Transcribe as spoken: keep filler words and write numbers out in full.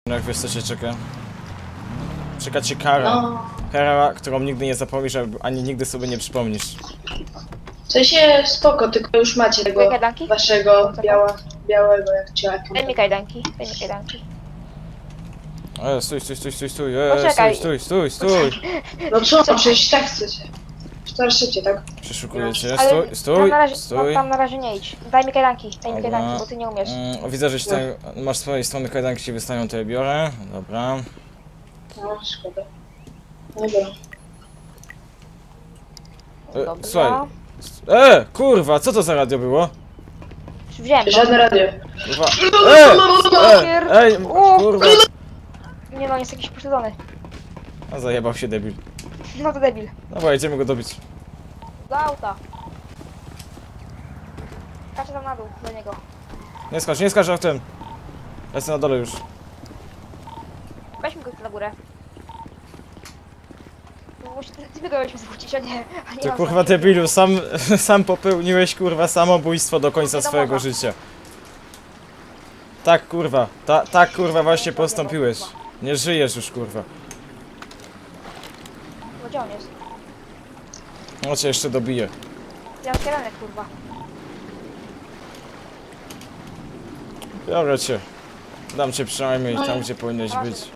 Jak wiesz co cię czeka? Czeka cię kara. No, Kara, którą nigdy nie zapomnisz, ani nigdy sobie nie przypomnisz. w sensie spoko, tylko już macie tego Kajdanki? waszego biała, białego jak ciaku. Daj mi kajdanki, daj mi kajdanki. E, stój, stój, stój, stój, stój, e, Poczekaj. stój, stój, stój, stój. No co, przecież tak chcecie. Cztery szybciej, tak? Przeszukuję cię, Ale stój, tam stój, na razie, stój. tam, tam na razie nie idź. Daj mi kajdanki, daj mi Dobra. kajdanki, bo ty nie umiesz. Mm, widzę, że ci tam, masz z swojej strony kajdanki ci wystają, to je biorę. Dobra. No, szkoda. Dobra. E, Dobra. słuchaj. E, kurwa, co to za radio było? Wziąłem to. Żadne radio. Kurwa. E, e, ej, kurwa. Nie no, jest jakiś pośledzony. A zajebał się debil. No to debil. Dobra, idziemy go dobić. Do auta. Kaczę tam na dół, do niego. Nie skacz, nie skacz autem. Ja jestem na dole już. Weźmy go na górę. Musi, ty, ty go zwrócić, a nie, a nie Ty on kurwa sam. debilu, sam, sam popełniłeś kurwa samobójstwo do końca Nie do swojego mowa. życia. Tak kurwa, ta, tak kurwa właśnie postąpiłeś. Nie żyjesz już kurwa. No gdzie on jest? No cię jeszcze dobiję. Ja mam kieranek, kurwa. Biorę cię. Dam cię przynajmniej tam, gdzie powinieneś być.